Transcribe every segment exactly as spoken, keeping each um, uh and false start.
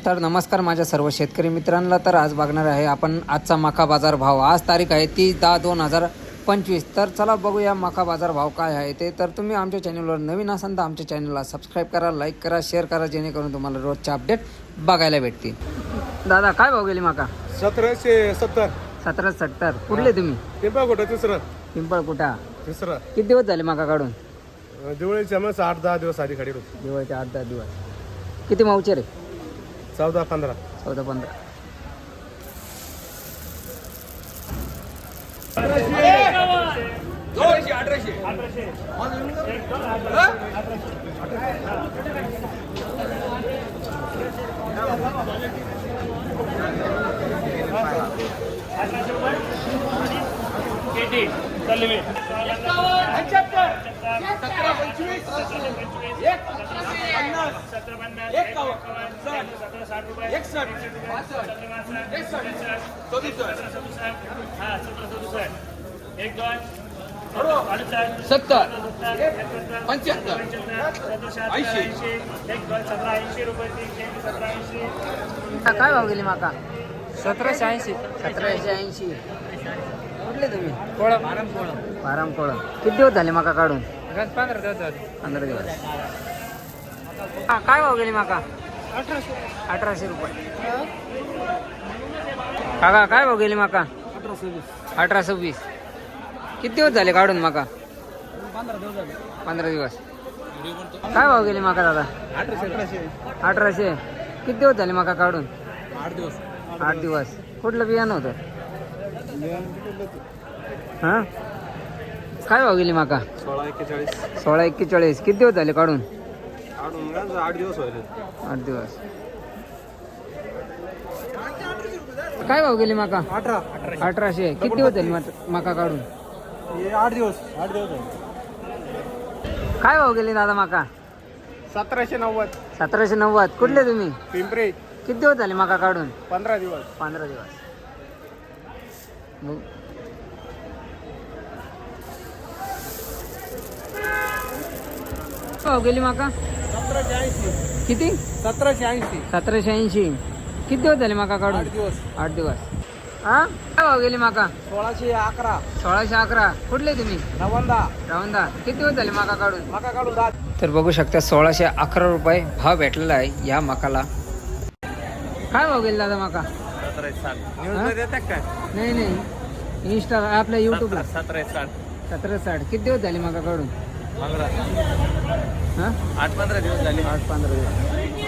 तर नमस्कार माझ्या सर्व शेतकरी मित्रांना. तर आज बघणार आहे आपण आजचा मका बाजार भाव. आज तारीख आहे तीस दहा दोन हजार पंचवीस. तर चला बघूया मका बाजार भाव काय आहे ते. तर तुम्ही आमच्या चॅनलवर नवीन असाल तर आमच्या चॅनलला सबस्क्राईब करा, लाईक करा, शेअर करा, जेणेकरून तुम्हाला रोजचे अपडेट बघायला भेटतील. दादा काय भाव गेली मका? सतराशे सत्तर. सतरा सत्तर. कुठले तुम्ही? पिंपळ कुठं तिसरं पिंपळ कुठा? तिसरं. किती दिवस झाले मका काढून? दिवाळीच्या मग आठ दहा दिवस आधी खडी होती. दिवाळीचे आठ दहा दिवस. किती मावचे रे? चौदा पंधरा. चौदा पंधरा. सत्तर पंच्याहत्तर ऐंशी. काय भाव गेली माका? सतराशे ऐंशी. सतराशे ऐंशी. कुठले तुम्ही? कोळा आराम कोळा बाराम कोळा. किती दिवस झाले माका काढून? गज पंधरा दिवस झाले. पंधरा दिवस. हा, काय भाव गेली माका? अठराशे. अठराशे रुपये. काका काय भाव गेली माका? अठरा सव्वीस. अठरा सव्वीस. किती दिवस झाले काढून माका? पंधरा दिवस झाले. पंधरा दिवस. काय भाव गेली माका दादा? अठराशे. अठराशे. किती दिवस झाले माका काढून? आठ दिवस. आठ दिवस. कुठलं बियाणं होतं? हां, काय भाव गेली माका? सोळा एक्केचाळीस. सोळा एक्केचाळीस. किती दिवस झाले काढून? आठ दिवस व्हायले. आठ दिवस. काय भाव गेली माका? अठरा. अठराशे. किती दिवस झाले मात- माका काढून? आठ दिवस. आठ दिवस झाले. काय भाव गेली दादा माका? सतराशे नव्वद. सतराशे नव्वद. कुठले तुम्ही? पिंपरी. किती दिवस झाले माका काढून? पंधरा दिवस. पंधरा दिवस. मग भाव गेली माका? सतराशे ऐंशी. किती? सतराशे ऐंशी. सतराशे ऐंशी. किती दिवस झाले माका काढून? दिवस. आठ दिवस. हा, काय भाव गेली माका? सोळाशे अकरा. सोळाशे अकरा. कुठले तुम्ही? नवंदा. रावंदा. किती दिवस झाले माका काढून? मका काढून दहा. तर बघू शकता सोळाशे अकरा रुपये भाव भेटलेला आहे या मकाला. काय भाव गेला दादा माका? सतराशे साठ. हा? न्यूजला देतात काय? नाही नाही, इंस्टा आपल्या युट्यूबला. सतराशे साठ. सतरा साठ. किती दिवस झाले माका काढून? पंधरा. हां, आठ पंधरा दिवस झाले. आठ पंधरा दिवस.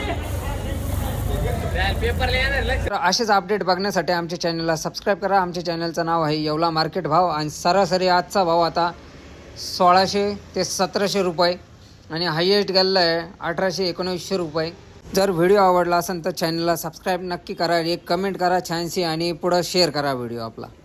तर असेच अपडेट बघण्यासाठी आमच्या चॅनलला सबस्क्राईब करा. आमच्या चॅनलचं नाव आहे येवला मार्केट भाव. आणि सरासरी आजचा भाव आता सोळाशे ते सतराशे रुपये आणि हायएस्ट गेलेला आहे अठराशे एकोणीसशे रुपये. जर व्हिडिओ आवडला असेल तर चॅनलला सबस्क्राईब नक्की करा, एक कमेंट करा छानशी आणि पुढं शेअर करा व्हिडिओ आपला.